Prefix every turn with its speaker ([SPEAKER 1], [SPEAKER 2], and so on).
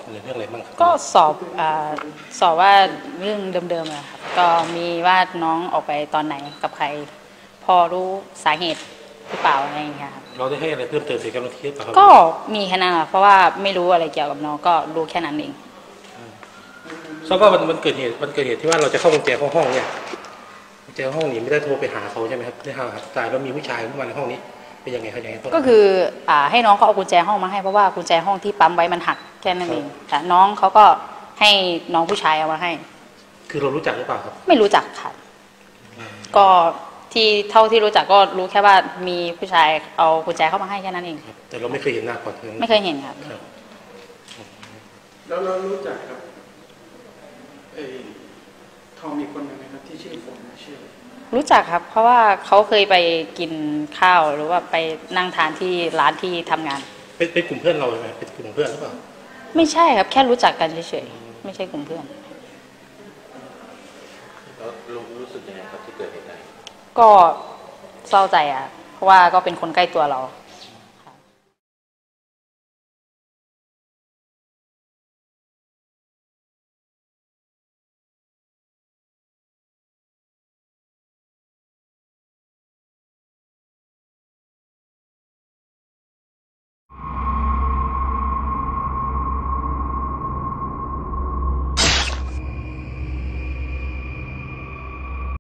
[SPEAKER 1] หรือเรื่องอะไรบ้างครับ
[SPEAKER 2] ก็สอบว่าเรื่องเดิมๆอะครับก็มีว่าน้องออกไปตอนไหนกับใครพอรู้สาเหตุหรือเปล่าอะไรอย่างเงี้ยครับ
[SPEAKER 1] เราได้ให้อะไรเพิ่มเติมในการลงที่หรือเปล่าครับ
[SPEAKER 2] ก็มีแค่นั้นแหละเพราะว่าไม่รู้อะไรเกี่ยวกับน้องก็รู้แค่นั้นเอง
[SPEAKER 1] แล้วก็มันเกิดเหตุที่ว่าเราจะเข้ากุญแจห้องเนี่ยกุญแจห้องนี้ไม่ได้โทรไปหาเขาใช่ไหมครับได้หาตายแล้วมีผู้ชายเข้ามาในห้องนี้เป็นยังไงครับยังไง
[SPEAKER 2] ก็คือให้น้องเขาเอากุญแจห้องมาให้เพราะว่ากุญแจห้องที่ปั๊มไว้มันหักแค่นั้นเองแต่น้องเขาก็ให้น้องผู้ชายเอามาให้
[SPEAKER 1] คือเรารู้จักหรือเปล่าครับ
[SPEAKER 2] ไม่รู้จักค่ะก็ที่เท่าที่รู้จักก็รู้แค่ว่ามีผู้ชายเอากุญแจเข้ามาให้แค่นั้นเอง
[SPEAKER 1] แต่เราไม่เคยเห็นหน้าก่อน
[SPEAKER 2] ไม่เคยเห็นครับ
[SPEAKER 3] แล้วเรารู้จักกับทอมอีกคนหนึ่งนะครับที่ชื่อฝนชื่อ
[SPEAKER 2] รู้จักครับเพราะว่าเขาเคยไปกินข้าวหรือว่าไปนั่งทานที่ร้านที่ทำงาน
[SPEAKER 1] เป็นกลุ่มเพื่อนเราใช่ไหมเป็นกลุ่มเพื่อนหรือเปล่า
[SPEAKER 2] ไม่ใช่ครับแค่รู้จักกันเฉยๆไม่ใช่กลุ่มเพื่อน
[SPEAKER 4] แล้วรู้สึกยังไงครับที่เกิดเหตุการณ์
[SPEAKER 2] ก็เศร้าใจอ่ะเพราะว่าก็เป็นคนใกล้ตัวเรา